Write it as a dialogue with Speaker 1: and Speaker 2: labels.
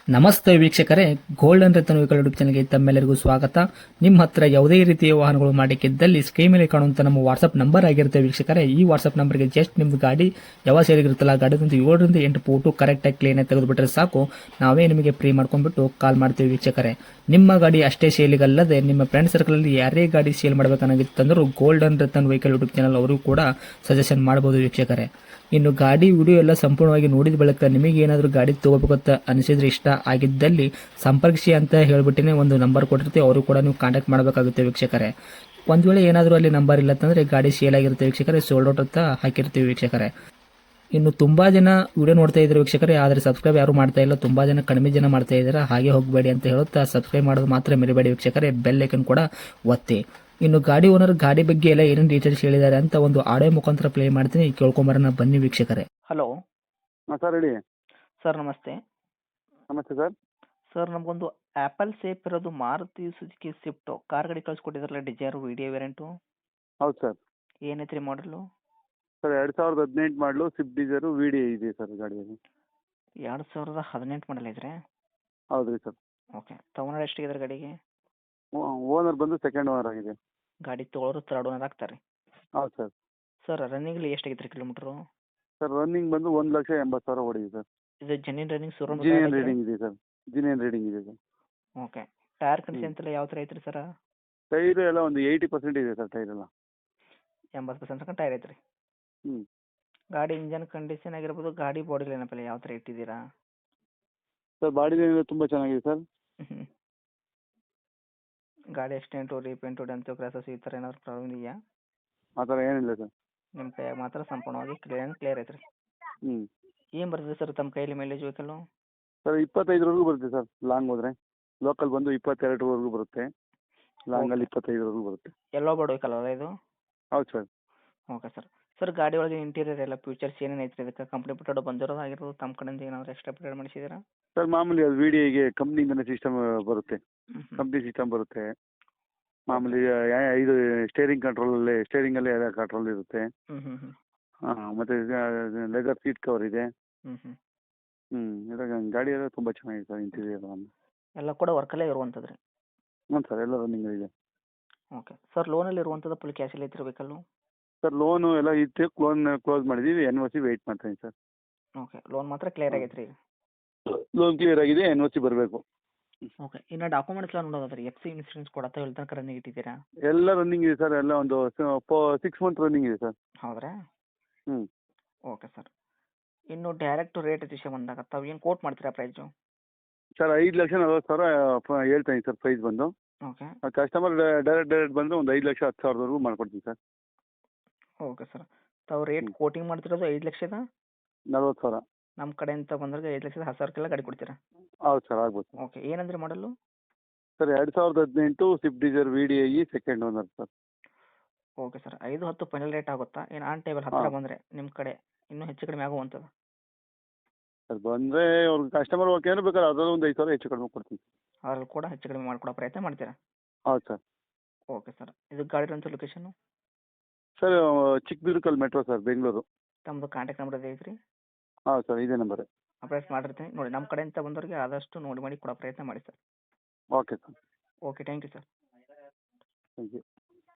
Speaker 1: ನಮಸ್ತೆ ವೀಕ್ಷಕರೇ, golden Ratan vehicle YouTube ಚಾನಲ್ಗೆ ತಮ್ಮೆಲ್ಲರಿಗೂ ಸ್ವಾಗತ. ನಿಮ್ಮ ಹತ್ರ ಯಾವುದೇ ರೀತಿಯ ವಾಹನಗಳು ಮಾಡಿಕ್ಕಿದ್ದಲ್ಲಿ ಸ್ಕ್ರೀನ್ ಮೇಲೆ ಕಾಣುವಂತ ನಮ್ಮ ವಾಟ್ಸ್ಆಪ್ ನಂಬರ್ ಆಗಿರುತ್ತೆ ವೀಕ್ಷಕರೇ. ಈ ವಾಟ್ಸ್ಆಪ್ ನಂಬರ್ಗೆ ಜಸ್ಟ್ ನಿಮ್ದು ಗಾಡಿ ಯಾವ ಸೇರಿಗಿರುತ್ತಲ್ಲ ಗಾಡಿದಂತ 7ರಿಂದ 8 ಫೋಟೋ ಕರೆಕ್ಟಾಗಿ ಕ್ಲೀನ್ ಆಗಿ ತೆಗೆದುಬಿಟ್ರೆ ಸಾಕು, ನಾವೇ ನಿಮಗೆ ಫ್ರೀ ಮಾಡ್ಕೊಂಡ್ಬಿಟ್ಟು ಕಾಲ್ ಮಾಡ್ತೀವಿ ವೀಕ್ಷಕರೇ. ನಿಮ್ಮ ಗಾಡಿ ಅಷ್ಟೇ ಸೇಲಿಗಲ್ಲದೆ ನಿಮ್ಮ ಫ್ರೆಂಡ್ ಸರ್ಕಲ್ ಅಲ್ಲಿ ಯಾರೇ ಗಾಡಿ ಸೇಲ್ ಮಾಡಬೇಕನ್ನಾಗಿತ್ತಂದ್ರೂ golden Ratan vehicle YouTube channel ಅವರು ಕೂಡ ಸಜೆಷನ್ ಮಾಡಬಹುದು ವೀಕ್ಷಕರೇ. ಇನ್ನು ಗಾಡಿ ವಿಡಿಯೋ ಎಲ್ಲ ಸಂಪೂರ್ಣವಾಗಿ ನೋಡಿದ ಬಳಿಕ ನಿಮಗೆ ಏನಾದರೂ ಗಾಡಿ ತಗೋಬೇಕಂತ ಅನಿಸಿದ್ರೆ, ಇಷ್ಟ ಆಗಿದ್ದಲ್ಲಿ ಸಂಪರ್ಕಿಸಿ ಅಂತ ಹೇಳ್ಬಿಟ್ಟಿನೇ ಒಂದು ನಂಬರ್ ಕೊಟ್ಟಿರ್ತೀವಿ, ಅವರು ಕೂಡ ನೀವು ಕಾಂಟ್ಯಾಕ್ಟ್ ಮಾಡಬೇಕಾಗುತ್ತೆ ವೀಕ್ಷಕರೇ. ಒಂದು ವೇಳೆ ಏನಾದರೂ ಅಲ್ಲಿ ನಂಬರ್ ಇಲ್ಲ ಅಂತಂದರೆ ಗಾಡಿ ಸೇಲ್ ಆಗಿರುತ್ತೆ ವೀಕ್ಷಕರೇ, ಸೋಲ್ಡ್ ಔಟ್ ಅಂತ ಹಾಕಿರ್ತೀವಿ ವೀಕ್ಷಕರೇ. ಇನ್ನು ತುಂಬಾ ಜನ ವಿಡಿಯೋ ನೋಡ್ತಾ ಇದ್ದಾರೆ ವೀಕ್ಷಕರೇ, ಆದರೆ ಸಬ್ಸ್ಕ್ರೈಬ್ ಯಾರು ಮಾಡ್ತಾ ಇಲ್ಲ, ತುಂಬಾ ಜನ ಕಡಿಮೆ ಜನ ಮಾಡ್ತಾ ಇದ್ದಾರೆ. ಹಾಗೆ ಹೋಗಬೇಡಿ ಅಂತ ಹೇಳುತ್ತಾ ಸಬ್ಸ್ಕ್ರೈಬ್ ಮಾಡೋದು ಮಾತ್ರ ಮರಿಬೇಡಿ ವೀಕ್ಷಕರೇ, ಬೆಲ್ ಐಕನ್ ಕೂಡ ಒತ್ತಿ. ಇನ್ನು ಗಾಡಿ ಓನರ್ ಗಾಡಿ ಬಗ್ಗೆ ಎಲ್ಲ ಏನೇನು ಡೀಟೇಲ್ಸ್ ಹೇಳಿದ್ದಾರೆ ಅಂತ ಒಂದು ಆಡಿಯೋ ಮುಖಾಂತರ ಪ್ಲೇ ಮಾಡ್ತೀನಿ, ಕೇಳ್ಕೊಂಬರೋಣ ಬನ್ನಿ ವೀಕ್ಷಕರೇ. ಹಲೋ
Speaker 2: ಹಾಂ ಸರ್ ಹೇಳಿ.
Speaker 1: ಸರ್, ನಮಸ್ತೆ.
Speaker 2: ನಮಸ್ತೆ ಸರ್.
Speaker 1: ಸರ್, ನಮಗೊಂದು ಆ್ಯಪಲ್ ಸೇಫ್ ಇರೋದು ಮಾರುತಿ ಸುಜುಕಿ ಸ್ವಿಫ್ಟು ಕಾರ್ ಗಾಡಿ ಕಳಿಸ್ಕೊಟ್ಟಿದ್ರಲ್ಲ, ಡಿಸೈರು ವಿಡಿಯೋ ವೇರಿಯಂಟು
Speaker 2: ಹೌದು ಸರ್.
Speaker 1: ಏನೈತ್ರಿ model?
Speaker 2: Sir 2018 model Swift Dzire V D ಇದೆ ಸರ್ ಗಾಡಿಯಲ್ಲಿ.
Speaker 1: 2018 ಮಾಡಲ್ ಐತ್ರಿ?
Speaker 2: ಹೌದು ರೀ ಸರ್.
Speaker 1: ಓಕೆ. ತಗೊಂಡ್ರೆ ಎಷ್ಟಿದೆ ಗಾಡಿಗೆ?
Speaker 2: ಓನರ್ ಬಂದು ಸೆಕೆಂಡ್ ಓನರ್ ಆಗಿದೆ.
Speaker 1: ಗಾಡಿ ತೊಗೊಳೋರು ತರ್ಡ್ ಓನರ್ ಆಗ್ತಾರೆ?
Speaker 2: ಹೌದು ಸರ್.
Speaker 1: ಸರ್, ರನ್ನಿಂಗ್ಲಿ ಎಷ್ಟಾಗೈತೆ ರೀ ಕಿಲೋಮೀಟ್ರು?
Speaker 2: ಸರ್ ರನ್ನಿಂಗ್ ಬಂದು 1,80,000 ಓಡಿದೆ ಸರ್.
Speaker 1: ಇದು genuine running showroom
Speaker 2: genuine reading ಇದೆ ಸರ್. ಜಿನಿಯನ್ ರೀಡಿಂಗ್ ಇದೆ ಸರ್.
Speaker 1: ಓಕೆ. ಟೈರ್ ಕಂಡೀಷನ್ ಎಲ್ಲ ಯಾವ ಥರ ಐತ್ರಿ ಸರ್?
Speaker 2: ಟೈರ್ ಎಲ್ಲ ಒಂದು 80% ಇದೆ ಸರ್ ಟೈರ್ ಎಲ್ಲ.
Speaker 1: 80% ತನಕ ಟೈರ್ ಐತ್ರಿ.
Speaker 2: ಹ್ಞೂ.
Speaker 1: ಗಾಡಿ ಇಂಜನ್ ಕಂಡೀಷನ್ ಆಗಿರ್ಬೋದು, ಗಾಡಿ ಬಾಡಿ ಲೈನಪ್ಪಲ್ಲ ಯಾವ ಥರ ಇಟ್ಟಿದ್ದೀರಾ?
Speaker 2: ಸರ್ ಬಾಡಿ ಲೈನ್ ತುಂಬ ಚೆನ್ನಾಗಿದೆ ಸರ್.
Speaker 1: ಹ್ಞೂ. ಗಾಡಿ ಎಕ್ಸ್ಟೆಂಟು, ರೀಪೇಂಟು, ಡೆಂತು, ಕ್ರ್ಯಾಸಸ್ ಈ ಥರ ಏನಾದ್ರು ಪ್ರಾಬ್ಲಮ್ ಇದೆಯಾ?
Speaker 2: ಆ ಥರ ಏನಿಲ್ಲ ಸರ್.
Speaker 1: ನಿಮ್ಮ ಕೈಯಾಗ ಮಾತ್ರ ಸಂಪೂರ್ಣವಾಗಿ ಕ್ಲಿಯರ್ ಐತ್ರಿ.
Speaker 2: ಹ್ಞೂ.
Speaker 1: ಏನು ಬರ್ತದೆ ಸರ್ ತಮ್ಮ ಕೈಯಲ್ಲಿ ಮೈಲೇಜ್ ವೆಹಿಕಲ್ಲು?
Speaker 2: ಸರ್ 25ವರೆಗೂ ಬರುತ್ತೆ ಸರ್ ಲಾಂಗ್ ಹೋದರೆ. ಲೋಕಲ್ ಬಂದು 22ವರೆಗೂ ಬರುತ್ತೆ, ಲಾಂಗಲ್ಲಿ 25ವರೆಗೂ ಬರುತ್ತೆ.
Speaker 1: ಎಲ್ಲೋ ಬೋರ್ಡ್ ವೆಹಿಕಲ್ ಅಲ್ಲ ಇದು?
Speaker 2: ಹೌದು ಸರ್.
Speaker 1: Okay sir. ಸರ್, ಗಾಡಿ ಒಳಗೆ ಇಂಟೀರಿಯರ್ ಎಲ್ಲ ಫ್ಯೂಚರ್ಸ್ ಏನೇನು ಐತ್ರಿ ಇದಕ್ಕೆ? ಕಂಪ್ನಿ ಬಿಟ್ಟು ಬಂದಿರೋದಾಗಿರೋದು ತಮ್ಮ ಕಡೆಯಿಂದ ಏನಾದ್ರು ಎಕ್ಸ್ಟ್ರಾ ಅಪ್ಡೇಟ್ ಮಾಡಿಸಿದ್ದೀರಾ?
Speaker 2: ಸರ್ ಮಾಮೂಲಿ ಅದು ವಿ ಡಿಗೆ ಕಂಪ್ನಿಯಿಂದನೇ ಸಿಸ್ಟಮ್ ಬರುತ್ತೆ.
Speaker 1: ಹ್ಞೂ.
Speaker 2: ಕಂಪ್ನಿ ಸಿಸ್ಟಮ್ ಬರುತ್ತೆ. ಮಾಮೂಲಿ ಇದು ಸ್ಟೇರಿಂಗಲ್ಲೇ ಎಲ್ಲ ಕಂಟ್ರೋಲ್ ಇರುತ್ತೆ.
Speaker 1: ಹ್ಞೂ ಹ್ಞೂ ಹ್ಞೂ
Speaker 2: ಹಾಂ, ಮತ್ತು ಲೆದರ್ ಸೀಟ್ ಕವರ್ ಇದೆ.
Speaker 1: ಹ್ಞೂ ಹ್ಞೂ
Speaker 2: ಹ್ಞೂ. ಎಲ್ಲ ಗಾಡಿ ಎಲ್ಲ ತುಂಬ ಚೆನ್ನಾಗಿದೆ ಸರ್ ಇಂಟೀರಿಯರ್.
Speaker 1: ಎಲ್ಲ ಕೂಡ ವರ್ಕಲ್ಲೇ ಇರುವಂಥದ್ದು ರೀ?
Speaker 2: ಹ್ಞೂ ಸರ್, ಎಲ್ಲ ರನ್ನಿಂಗ್ ಇದೆ.
Speaker 1: ಓಕೆ. ಸರ್, ಲೋನಲ್ಲಿ ಇರುವಂಥದ್ದು ಫುಲ್ ಕ್ಯಾಶಲ್ಲಿ ಐತ್ರಿ ವೆಹಿಕಲ್ಲು?
Speaker 2: ಸರ್ ಲೋನು ಎಲ್ಲ ಇತ್ತು, ಲೋನ್ ಕ್ಲೋಸ್ ಮಾಡಿದ್ದೀವಿ, ಎನ್ ಒ ಸಿ ವೆಯ್ಟ್ ಮಾಡ್ತೀನಿ ಸರ್.
Speaker 1: ಓಕೆ. ಲೋನ್ ಮಾತ್ರ ಕ್ಲಿಯರ್ ಆಗೈತೆ ರೀ?
Speaker 2: ಲೋನ್ ಕ್ಲಿಯರ್ ಆಗಿದೆ, ಎನ್ ಒ ಸಿ ಬರಬೇಕು.
Speaker 1: ಓಕೆ. ಇನ್ನು ಡಾಕ್ಯುಮೆಂಟ್ಸ್ ಎಲ್ಲ ನೋಡೋದಾದ್ರೆ ಎಫ್ ಸಿ ಇನ್ಸೂರೆನ್ಸ್ ಕೊಡತ್ತಾ ಎಲ್ಲಿ ತನಕ ರನ್ನಿಂಗ್ ಇಟ್ಟಿದ್ದೀರಾ?
Speaker 2: ಎಲ್ಲ ರನ್ನಿಂಗ್ ಇದೆ ಸರ್, ಎಲ್ಲ ಒಂದು 6 ಮಂತ್ ರನ್ನಿಂಗ್ ಇದೆ ಸರ್.
Speaker 1: ಹೌದ್ರಾ?
Speaker 2: ಹ್ಞೂ.
Speaker 1: Okay sir. ಇನ್ನು ಡೈರೆಕ್ಟ್ ರೇಟ್ ವಿಷಯ ಬಂದಾಗ ತಾವು ಏನು ಕೋಟ್ ಮಾಡ್ತೀರಾ ಪ್ರೈಸು?
Speaker 2: ಸರ್ 5,40,000 ಹೇಳ್ತೀನಿ ಸರ್ ಪ್ರೈಸ್ ಬಂದು.
Speaker 1: ಓಕೆ.
Speaker 2: ಕಸ್ಟಮರ್ ಡೈರೆಕ್ಟ್ ಬಂದರೆ ಒಂದು 5,10,000ವರೆಗೂ ಮಾಡ್ಕೊಡ್ತೀನಿ ಸರ್.
Speaker 1: Okay sir. ತಾವು ರೇಟ್ ಕೋಟಿಂಗ್ ಮಾಡ್ತಿರೋದು 5,40,000?
Speaker 2: 40,000.
Speaker 1: ನಮ್ಮ ಕಡೆಯಿಂದ ಬಂದಾಗ 5,10,000 ಗಾಡಿ ಕೊಡ್ತೀರಾ?
Speaker 2: ಹೌದು ಸರ್, ಆಗ್ಬೋದು ಸರ್.
Speaker 1: ಓಕೆ. ಏನಂದ್ರೆ model?
Speaker 2: Sir 2018 Swift Dzire V D I second owner sir.
Speaker 1: Okay sir. 5-10 final rate ಆಗುತ್ತಾ? ಏನು ಆನ್ ಟೇಬಲ್ ಹತ್ತಿರ
Speaker 2: ಹಾಂ.
Speaker 1: ಬಂದರೆ ನಿಮ್ಮ ಕಡೆ ಇನ್ನೂ ಹೆಚ್ಚು ಕಡಿಮೆ ಆಗುವಂಥದ್ದು?
Speaker 2: ಸರ್ ಬಂದರೆ ಅವ್ರಿಗೆ ಕಸ್ಟಮರ್ ಓಕೆ ಅಂದ್ರೆ ಬೇಕಾದ್ರೆ ಅದರಲ್ಲಿ ಒಂದು 5,000 ಹೆಚ್ಚು ಕಡಿಮೆ ಕೊಡ್ತೀನಿ.
Speaker 1: ಅದ್ರಲ್ಲಿ ಕೂಡ ಹೆಚ್ಚು ಕಡಿಮೆ ಮಾಡಿಕೊಡೋ ಪ್ರಯತ್ನ ಮಾಡ್ತೀರಾ?
Speaker 2: ಹೌದು ಸರ್.
Speaker 1: Okay sir. ಇದು ಗಾಡಿ ಇರೋಂಥ location?
Speaker 2: Sir Chikkabidarkal metro sir, Bengaluru.
Speaker 1: ತಮ್ಮದು ಕಾಂಟ್ಯಾಕ್ಟ್ ನಂಬರ್ ಇದೆ ಐತ್ರಿ?
Speaker 2: ಹಾಂ ಸರ್, ಇದೇ ನಂಬರೇ.
Speaker 1: ಅಪ್ಡೇಟ್ ಮಾಡಿರ್ತೀನಿ ನೋಡಿ. ನಮ್ಮ ಕಡೆಯಿಂದ ಬಂದವರಿಗೆ ಆದಷ್ಟು ನೋಡಿ ಮಾಡಿ ಕೊಡೋ ಪ್ರಯತ್ನ ಮಾಡಿ sir.
Speaker 2: Okay sir.
Speaker 1: Okay. Thank you sir.
Speaker 2: Thank you.